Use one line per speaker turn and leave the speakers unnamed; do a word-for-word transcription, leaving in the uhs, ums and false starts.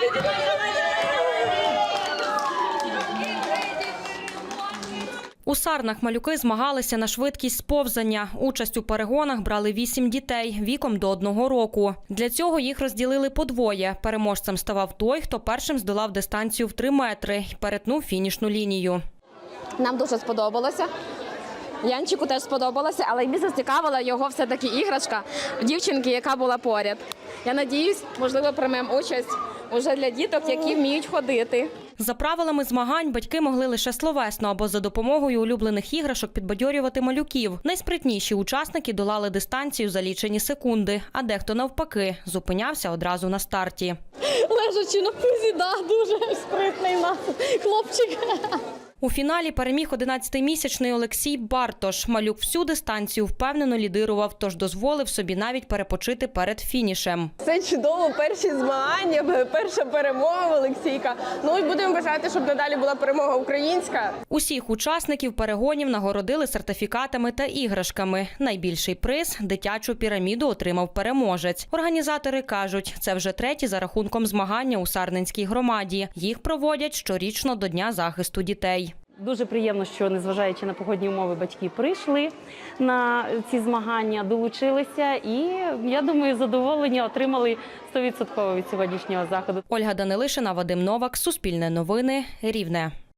У Сарнах малюки змагалися на швидкість сповзання. Участь у перегонах брали вісім дітей віком до одного року. Для цього їх розділили подвоє. Переможцем ставав той, хто першим здолав дистанцію в три метри і перетнув фінішну лінію.
Нам дуже сподобалося. Янчику теж сподобалося, але більше зацікавила його все-таки іграшка дівчинки, яка була поряд. Я сподіваюся, можливо, приймемо участь уже для діток, які вміють ходити.
За правилами змагань батьки могли лише словесно або за допомогою улюблених іграшок підбадьорювати малюків. Найспритніші учасники долали дистанцію за лічені секунди, а дехто навпаки зупинявся одразу на старті.
Лежачи на пузі, да, дуже спритний у нас хлопчик.
У фіналі переміг одинадцятимісячний Олексій Бартош. Малюк всю дистанцію впевнено лідирував, тож дозволив собі навіть перепочити перед фінішем.
Це чудово, перші змагання, перша перемога Олексійка. Ну і будемо бажати, щоб надалі була перемога українська.
Усіх учасників перегонів нагородили сертифікатами та іграшками. Найбільший приз – дитячу піраміду отримав переможець. Організатори кажуть, це вже треті за рахунком змагання у Сарненській громаді. Їх проводять щорічно до Дня захисту дітей.
Дуже приємно, що, незважаючи на погодні умови, батьки прийшли на ці змагання, долучилися і, я думаю, задоволення отримали сто відсотків від сьогоднішнього заходу.
Ольга Данилишина, Вадим Новак, Суспільне новини, Рівне.